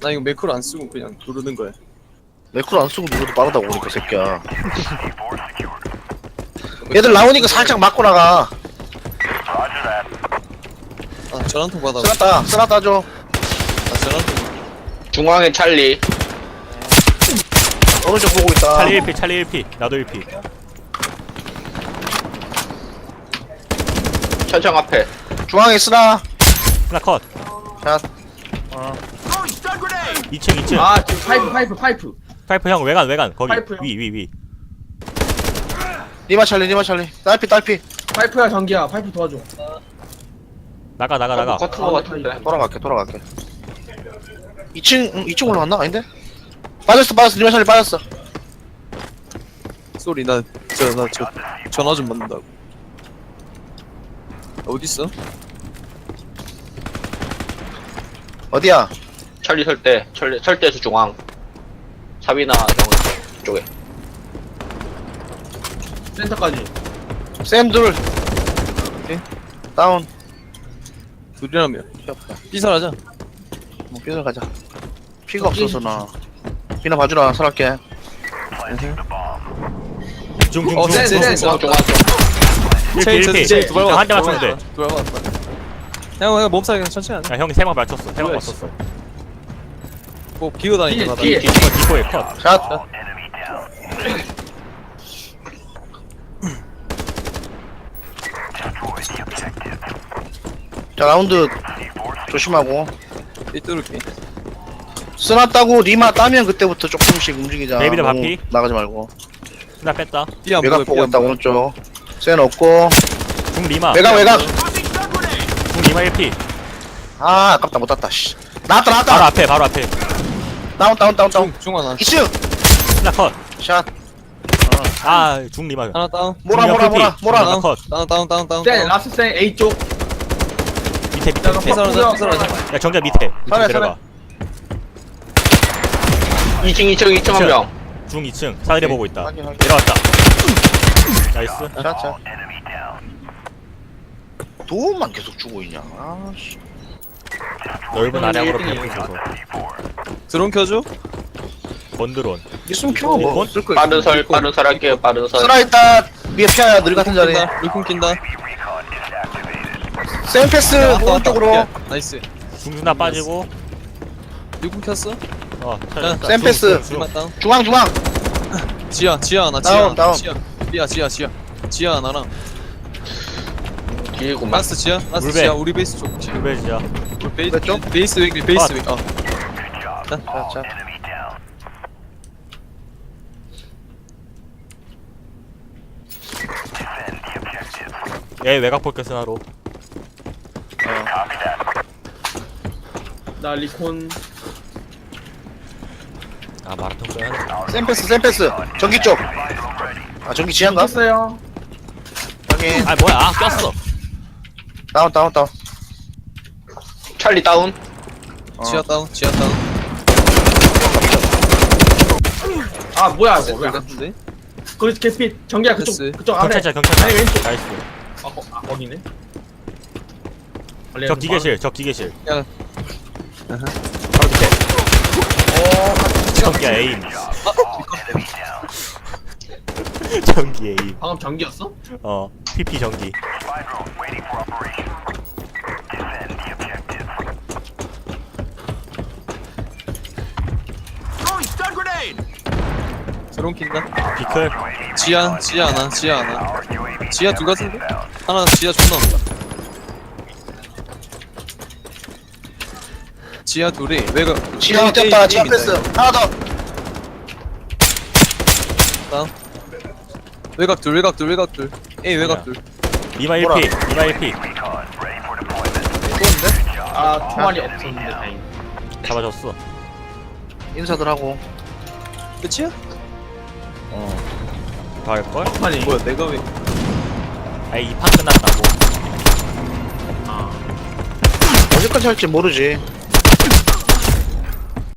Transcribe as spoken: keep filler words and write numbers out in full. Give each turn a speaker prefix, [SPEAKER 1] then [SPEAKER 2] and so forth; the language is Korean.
[SPEAKER 1] 나 이거 매크로 안 쓰고 그냥 누르는 거야.
[SPEAKER 2] 매크로 안 쓰고 누구도 빠르다고 그러니까 새끼야. 얘들 나오니까 살짝 맞고 나가.
[SPEAKER 1] 아 전화통 받아.
[SPEAKER 2] 쓰났다 쓰났다 줘.
[SPEAKER 1] 아 전화통.
[SPEAKER 3] 중앙에 찰리.
[SPEAKER 2] 오른쪽 보고 있다.
[SPEAKER 4] 찰리 일 피 찰리 일 피 나도 일 피.
[SPEAKER 3] 천창 앞에.
[SPEAKER 2] 중앙에 쓰나.
[SPEAKER 4] 하나 컷.
[SPEAKER 2] 자
[SPEAKER 4] 이 층 이 층.
[SPEAKER 5] 아 지금 파이프 파이프 파이프
[SPEAKER 4] 파이프 형 외관 외관 거기
[SPEAKER 5] 파이프 형.
[SPEAKER 4] 위 위 위.
[SPEAKER 2] 니마 찰리 니마 찰리. 딸피 딸피.
[SPEAKER 5] 파이프야 전기야 파이프 도와줘.
[SPEAKER 4] 나가 나가 나가.
[SPEAKER 3] 커튼 거 같은데.
[SPEAKER 2] 돌아갈게 돌아갈게. 이 층 응, 이 층 올라갔나? 아닌데? 빠졌어 빠졌어 니마 찰리 빠졌어.
[SPEAKER 1] 소리 나 저 나 저 전화 좀 받는다고. 어디 있어?
[SPEAKER 2] 어디야?
[SPEAKER 3] 찰리 설대. 찰리 설대에서 중앙. 사비나 형 쪽에.
[SPEAKER 5] 센터까지.
[SPEAKER 2] 쌤 둘.
[SPEAKER 1] 오케이.
[SPEAKER 2] 다운.
[SPEAKER 1] 둘이라며.
[SPEAKER 2] 귀엽다.
[SPEAKER 1] 삐살하자.
[SPEAKER 2] 뭐 삐져 가자. 피가 없어서 나. 비나 봐주라 살할게.
[SPEAKER 4] 중중
[SPEAKER 1] 어,
[SPEAKER 4] 중.
[SPEAKER 1] 쎄, 쎄, 쎄.
[SPEAKER 3] 중앙 중앙 쪽.
[SPEAKER 4] 일 피 일 피. 한 대 맞췄는데.
[SPEAKER 1] 두발 맞았다. 형 형 몸살 그냥 천천히 하자.
[SPEAKER 4] 야 형이 세 방 맞췄어. 세 방
[SPEAKER 1] 뭐야,
[SPEAKER 4] 맞췄어.
[SPEAKER 1] 뭐 기어 다니는
[SPEAKER 5] 뒤에,
[SPEAKER 1] 거다.
[SPEAKER 5] 뒤에.
[SPEAKER 4] 이거 디코에 컷.
[SPEAKER 2] 샷. 자 라운드 조심하고.
[SPEAKER 1] 삐뚤게.
[SPEAKER 2] 쓰났다고 리마 따면 그때부터 조금씩 움직이자.
[SPEAKER 4] 데이비드
[SPEAKER 2] 너무
[SPEAKER 4] 바피.
[SPEAKER 2] 나가지 말고.
[SPEAKER 4] 하나 뺐다.
[SPEAKER 1] 삐안
[SPEAKER 2] 외곽
[SPEAKER 1] 보여.
[SPEAKER 2] 보고
[SPEAKER 1] 삐안
[SPEAKER 2] 있다
[SPEAKER 1] 보여.
[SPEAKER 2] 오른쪽. 센 없고.
[SPEAKER 4] 중 리마.
[SPEAKER 2] 외곽 외곽.
[SPEAKER 4] 중 리마 일 피.
[SPEAKER 2] 아 아깝다 못 땄다. 씨. 나왔다
[SPEAKER 4] 바로
[SPEAKER 2] 나왔다.
[SPEAKER 4] 앞에 바로 앞에.
[SPEAKER 2] 다운 다운 다운 다운.
[SPEAKER 1] 중 중하나.
[SPEAKER 2] 이 층.
[SPEAKER 4] 하나 컷.
[SPEAKER 2] 샷.
[SPEAKER 4] 아 중 리마.
[SPEAKER 1] 하나 다운.
[SPEAKER 2] 몰아 몰아 몰아 몰아.
[SPEAKER 4] 하나 컷.
[SPEAKER 1] 다운 다운 다운 다운.
[SPEAKER 5] 센 라스 센 A 쪽.
[SPEAKER 4] 밑에 밑에 밑에.
[SPEAKER 1] 삐살하자 삐살하자.
[SPEAKER 4] 야 정자 밑에. 밑에
[SPEAKER 2] 살아,
[SPEAKER 4] 내려가.
[SPEAKER 3] 이 층 이 층 이 층 한 명.
[SPEAKER 4] 중 이 층 사다리 보고 있다.
[SPEAKER 2] 확인 확인.
[SPEAKER 4] 내려왔다. 나이스.
[SPEAKER 2] 샷 샷. 도움만 계속 주고 있냐. 아씨.
[SPEAKER 4] 넓은 아량으로
[SPEAKER 5] 일 등이에요.
[SPEAKER 4] 벽을 줘서.
[SPEAKER 1] 드론 켜줘.
[SPEAKER 4] 번드론.
[SPEAKER 2] 있으면 켜. 뭐.
[SPEAKER 4] 번?
[SPEAKER 2] 쓸 거야.
[SPEAKER 3] 빠른 설 빠른 설 할게요. 빠른 설.
[SPEAKER 2] 쓰라 있다. 위에 피아야 늘 같은 자리.
[SPEAKER 1] 낀다. 물품 낀다.
[SPEAKER 2] 센 패스
[SPEAKER 1] 야, 왔다,
[SPEAKER 2] 오른쪽으로.
[SPEAKER 1] 왔다. 나이스.
[SPEAKER 4] 중순나 빠지고.
[SPEAKER 1] 물품 켰어?
[SPEAKER 4] 어.
[SPEAKER 1] 자,
[SPEAKER 2] 센 패스.
[SPEAKER 1] 중만 다운.
[SPEAKER 2] 중앙 중앙.
[SPEAKER 1] 지하 지하 하나 지하
[SPEAKER 2] 다운,
[SPEAKER 1] 하나.
[SPEAKER 2] 다운.
[SPEAKER 1] 지하. 지하 지하 지하. 지하 하나랑.
[SPEAKER 3] 길구만.
[SPEAKER 1] 라스트 지하. 라스트
[SPEAKER 4] 물배.
[SPEAKER 1] 지하. 우리 베이스 쪽. 지금.
[SPEAKER 4] 루베지야.
[SPEAKER 1] 우리 베이스
[SPEAKER 2] 물배 쪽?
[SPEAKER 1] 베이스 웨이 베이스 웨이. 어.
[SPEAKER 2] 자 자.
[SPEAKER 4] 얘 외곽 볼게 스나로.
[SPEAKER 5] 나 리콘.
[SPEAKER 4] 아 마라톤 써야 돼.
[SPEAKER 2] 센 패스 센 패스. 전기 쪽. 아 전기 지한가?
[SPEAKER 5] 했어요.
[SPEAKER 2] 확인.
[SPEAKER 4] 아 뭐야? 아 꼈어.
[SPEAKER 2] 다운 다운 다운.
[SPEAKER 3] 찰리 다운.
[SPEAKER 2] 어.
[SPEAKER 1] 지하 다운. 지하 다운.
[SPEAKER 5] 아 뭐야 이거
[SPEAKER 1] 센터
[SPEAKER 5] 왜?
[SPEAKER 1] 같은데?
[SPEAKER 5] 거기 캐스핏 전기야 그쪽
[SPEAKER 1] 됐어.
[SPEAKER 5] 그쪽 아래.
[SPEAKER 4] 경찰차 경찰차.
[SPEAKER 5] 아니 왼쪽.
[SPEAKER 4] 나이스.
[SPEAKER 5] 아, 거, 아 거기네.
[SPEAKER 4] 적 기계실 적 기계실.
[SPEAKER 1] 야.
[SPEAKER 4] 바로 밑에. 전기 에임. 전기 에임.
[SPEAKER 5] 방금 전기였어?
[SPEAKER 4] 어. 피피 전기.
[SPEAKER 1] 드론 킨다.
[SPEAKER 4] 비클.
[SPEAKER 1] 지하 지하 하나. 지하 하나. 지하 둘 같은데? 하나 지하 존나 온다. 지하 둘이 외곽.
[SPEAKER 2] 지하
[SPEAKER 1] A,
[SPEAKER 2] 뛰었다.
[SPEAKER 1] A,
[SPEAKER 2] 지하
[SPEAKER 1] A
[SPEAKER 2] 패스.
[SPEAKER 1] 민다.
[SPEAKER 2] 하나 더.
[SPEAKER 1] 다운. 외곽 둘 외곽 둘 외곽 둘. A 외곽 둘.
[SPEAKER 4] 리마 일
[SPEAKER 2] 뭐라?
[SPEAKER 4] 피. 리마 일 피.
[SPEAKER 1] 좋은데?
[SPEAKER 5] 아 총알이 없었는데 다행.
[SPEAKER 4] 잡아줬어.
[SPEAKER 2] 인사들 하고.
[SPEAKER 1] 끝이야?
[SPEAKER 4] 어. 더 할걸?
[SPEAKER 5] 아니
[SPEAKER 1] 뭐야 내가 왜?
[SPEAKER 4] 아이 이 판 끝났다고.
[SPEAKER 5] 아
[SPEAKER 2] 언제까지 할지 모르지.